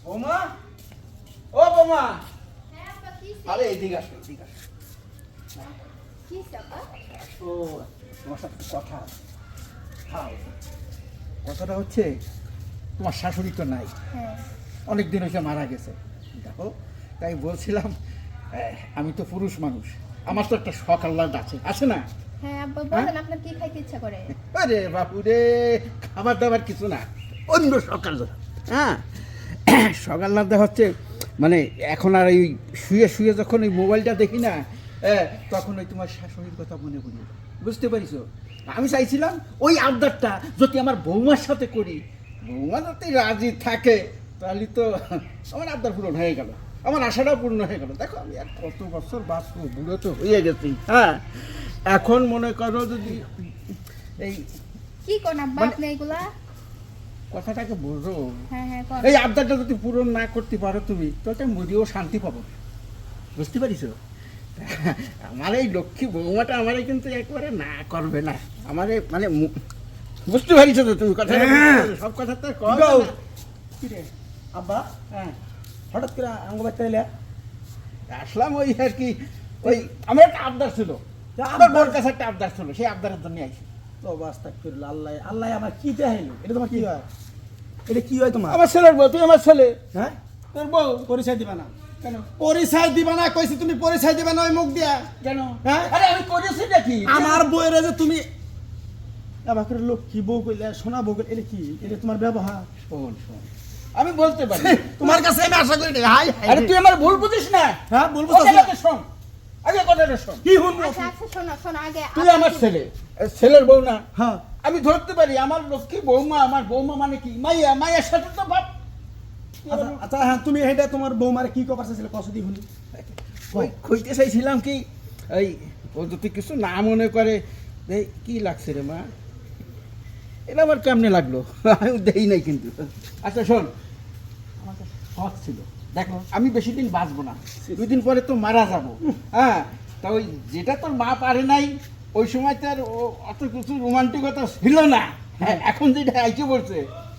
বৌমা, ও বৌমা, হ্যাঁ আপা, কি আরে এদিকে আসো, এদিকে আসো। কি আপা? ও তোমার সাথে কথা আছে। হ্যাঁ, কথাটা হচ্ছে তোমার শাশুড়ি তো নাই, হ্যাঁ অনেক দিন হয়েছে মারা গেছে। দেখো, তাই বলছিলাম আমি তো পুরুষ মানুষ, আমার তো একটা শখ আহ্লাদ আছে, আছে না? হ্যাঁ আব্বা বলেন, আপনার কি খাইতে ইচ্ছা করে? আরে বাপু রে, খাবার দাবার কিছু না, অন্য সকাল। হ্যাঁ, সকাল না হচ্ছে মানে এখন আর এই শুয়ে শুয়ে যখন ওই মোবাইলটা দেখি না, তখন ওই তোমার শাশুড়ির কথা মনে পড়ি, বুঝতে পারিস? আমি চাইছিলাম ওই আবদারটা যদি আমার বৌমার সাথে করি, বৌমা যদি রাজি থাকে তাহলে তো আমার আবদার পূরণ হয়ে গেল, আমার আশাটাও পূর্ণ হয়ে গেল। দেখো আমি আর কত বছর বাঁচবো, বুড়ো তো হয়ে গেছি। হ্যাঁ, এখন মনে করো যদি এই কি কোন আব্বা আপনি এগুলা? কথাটাকে বুঝো, হ্যাঁ হ্যাঁ কোন। এই আবদারটা যদি পূরণ না করতে পারো তুমি, তাহলে মরিও শান্তি পাবো, বুঝতে পারিস? আমার এই লক্ষ্মী বৌমাটা আমারে কিন্তু একবারে না করবে না, আমারে মানে বুঝতে পারিস তো তুমি কথা, সব কথা তো কি রে আব্বা, হ্যাঁ, হঠাৎ করে আঙ্গ বাড়তে এলে? আসলাম ওই আর কি, ওই আমার একটা আবদার ছিল, আমার বোর কাছে একটা আবদার ছিল, সেই আবদারের জন্য আইসি। তো বাস্তা করলো আল্লাহ, আল্লাহ আমার কি দেখাইলো? এটা তোমার কি হয়? এটা কি হয় তোমার? আমার ছেলের বউ, তুই আমার ছেলে, হ্যাঁ, তোর বউ। পরিচয় দিবা না? কেন? পরিচয় দিবা না কইছি, তুমি পরিচয় দিবা না ওই মুখ দিয়া? কেন? হ্যাঁ? আরে আমি করেছি নাকি? আমার বউয়ের যে তুমি এবার করে লক্ষ্মী বউ কইলে, সোনা বউ কইলে, এটা কি? এটা তোমার ব্যবহার? শোন শোন, আমি বলতে পারি, তোমার কাছে আমি আশা করি না। হাই আরে তুই আমার ভুল বুঝিস না। হ্যাঁ, বলবো তো। কথাটা শোন, আগে কথাটা শোন। কি শুনবো? আচ্ছা আচ্ছা শোনো শোনো আগে তুই আমার ছেলে, ছেলের বউ না? হ্যাঁ, আমি ধরতে পারি আমার লক্ষ্মী বৌমা, আমার বৌমা মানে কি মাইয়া, মায়ের সাথে তো বাপ। আচ্ছা আচ্ছা, হ্যাঁ, তুমি এটা তোমার বৌমারে কি কবার চাইছিলে কসদি শুনি? ওই কইতে চাইছিলাম কি, এই ও যদি কিছু না মনে করে, এই কি লাগছে রে মা, এটা আমার কেমনে লাগলো, আমি দেই নাই কিন্তু। আচ্ছা শোন, আমার একটা শখ ছিল, দেখো আমি বেশি দিন বাঁচবো না, 2 দিন পরে তো মারা যাবো। হ্যাঁ, তা ওই যেটা তোর মা পারে নাই, ওই সময় তো আর অত কিছু রোমান্টিকতা ছিল না। হ্যাঁ, এখন যেটা আইকে পড়ছে,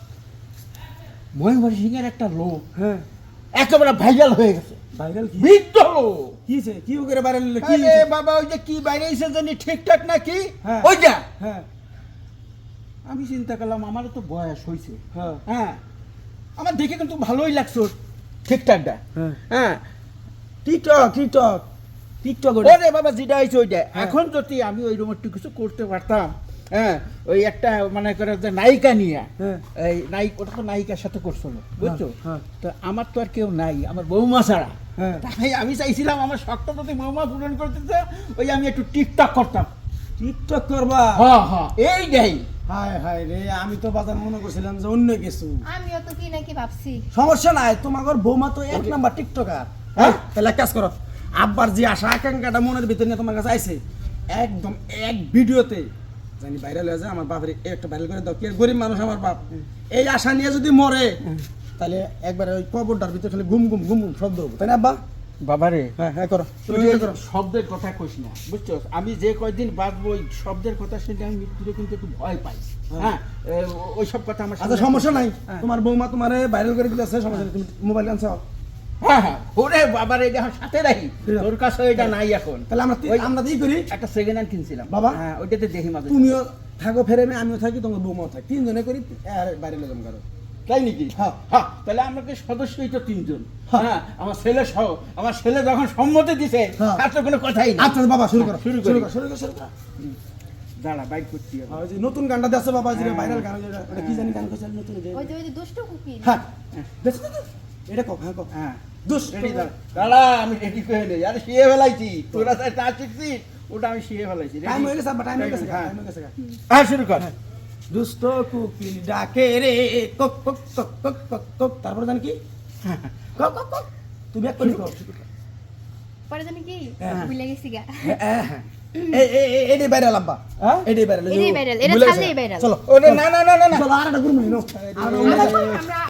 মহেন্দ্র সিংয়ের একটা লোক হ্যাঁ, একেবারে ভাইরাল হয়ে গেছে, ভাইরাল কি? বৃদ্ধ লোক। কি হয়েছে? কি করে ভাইরাল হলো? কি আরে হয়েছে? বাবা, ওই যে কি বাইরে এসে জানি ঠিকঠাক নাকি, হ্যাঁ। ওইটা হ্যাঁ, আমি চিন্তা করলাম আমারও তো বয়স হয়েছে। হ্যাঁ, হ্যাঁ, আমার দেখে কিন্তু ভালোই লাগছে ওর ঠিকঠাকটা। হ্যাঁ। হ্যাঁ, টিকটক টিকটক টিকটক ওরে বাবা যেটা হয়েছে ওইটা। হ্যাঁ। এখন যদি আমি ওই রকম একটু কিছু করতে পারতাম, হ্যাঁ, ওই একটা মনে করে যে নায়িকা নিয়ে, হ্যাঁ। এই ওটা তো নায়িকার সাথে করছিল, বুঝছো? হ্যাঁ। তো আমার তো আর কেউ নাই, আমার বৌমা ছাড়া। হ্যাঁ। তাই আমি চাইছিলাম আমার শখটা যদি বৌমা পূরণ করতে চায়, ওই আমি একটু টিকটক করতাম। টিকটক করবা? হ্যাঁ হ্যাঁ, এইটাই। হায় হায় রে, আমি তো বাজার মনে করছিলাম যে অন্য কিছু। আমিও তো কি নাকি ভাবছি। সমস্যা নাই, তোমার বৌমা তো 1 নাম্বার টিকটকার। হ্যাঁ, তাহলে এক কাজ করো, আব্বার যে আশা আকাঙ্ক্ষাটা মনের ভিতরে নিয়ে তোমার কাছে আইছে, একদম এক ভিডিওতে জানি ভাইরাল হয়ে যায়, আমার বাপের একটা ভাইরাল করে দাও। কি আর গরিব মানুষ আমার বাপ, এই আশা নিয়ে যদি মরে, তাহলে একবারে ওই কবরটার ভিতরে খালি ঘুম ঘুম ঘুম ঘুম শব্দ হবো, তাই না আব্বা? বাবারে, হ্যাঁ হ্যাঁ, করো তুমি তুই এটা এই করো। শব্দের কথা কইস না, বুঝছো? আমি যে কয়দিন বাঁচবো ওই শব্দের কথা শুনে আমি মৃত্যুরে কিন্তু একটু ভয় পাই। হ্যাঁ, ওই সব কথা আমার আচ্ছা, সমস্যা নাই, হ্যাঁ। তোমার বৌমা তোমারে ভাইরাল করে দিতেছে, সমস্যা নেই, তুমি মোবাইল আনছো। হ্যাঁ হ্যাঁ, ওরে বাবারে, এটা আমার সাথে রাখি, ঠিক আছে। তোর কাছে এটা নাই এখন। তাহলে আমরা ওই- আমরা কি করি, একটা সেকেন্ড হ্যান্ড কিনছিলাম বাবা। হ্যাঁ, ওইটাতে দেখি মাঝে তুমিও থাকো ফেরেমে, আমিও থাকি, তোমার বৌমাও থাকি, 3 জনে করি, আর বাইরে লোক করো। তাই নাকি? হ্যাঁ। হ্যাঁ, তাহলে আমাকে সদস্যই তো 3 জন। হ্যাঁ। হ্যাঁ, আমার ছেলে সহ, আমার ছেলে যখন সম্মতি দিছে, হ্যাঁ। তার তো কোনো কথাই না। আচ্ছা বাবা, শুরু করো, শুরু শুরু করি। করো, শুরু করো, শুরু করো। দাঁড়া, বাইক করতে হবে। আর ওই যে নতুন গানটা দেখছো বাবা, যে হ্যাঁ। ভাইরাল গান, ওটা কি জানি গান কইছে নতুন যে, ওই যে দুষ্ট কুকি। হ্যাঁ দেখছো তো? এটা কো, হ্যাঁ কো, হ্যাঁ, দুষ রেডি দাঁড়া, দাঁড়া, আমি রেডি করে নেই, আরে শিয়ে ফেলাইছি, তোরা তাই তা শিখছিস, ওটা আমি শিয়ে ফেলাইছি। Ready? টাইম হয়ে গেছে আব্বা, টাইম হয়ে গেছে, হ্যাঁ। টাইম হয়ে গেছে। হ্যাঁ, শুরু কর। দুষ্ট কুকিল ডাকে রে, কক কক কক কক কক কক, তারপর জানি কি, কক কক কক, তুমি এক করে কও। পরে জানি কি হ্যাঁ। ভুলে গেছি গা। হ্যাঁ হ্যাঁ, এই ভাইরাল আব্বা, হ্যাঁ? এই ভাইরাল, এটাই viral, এটা ছাড়লেই viral। চলো ওরে না না না না না, চলো আর একটা গুরু মহিনো। আমরা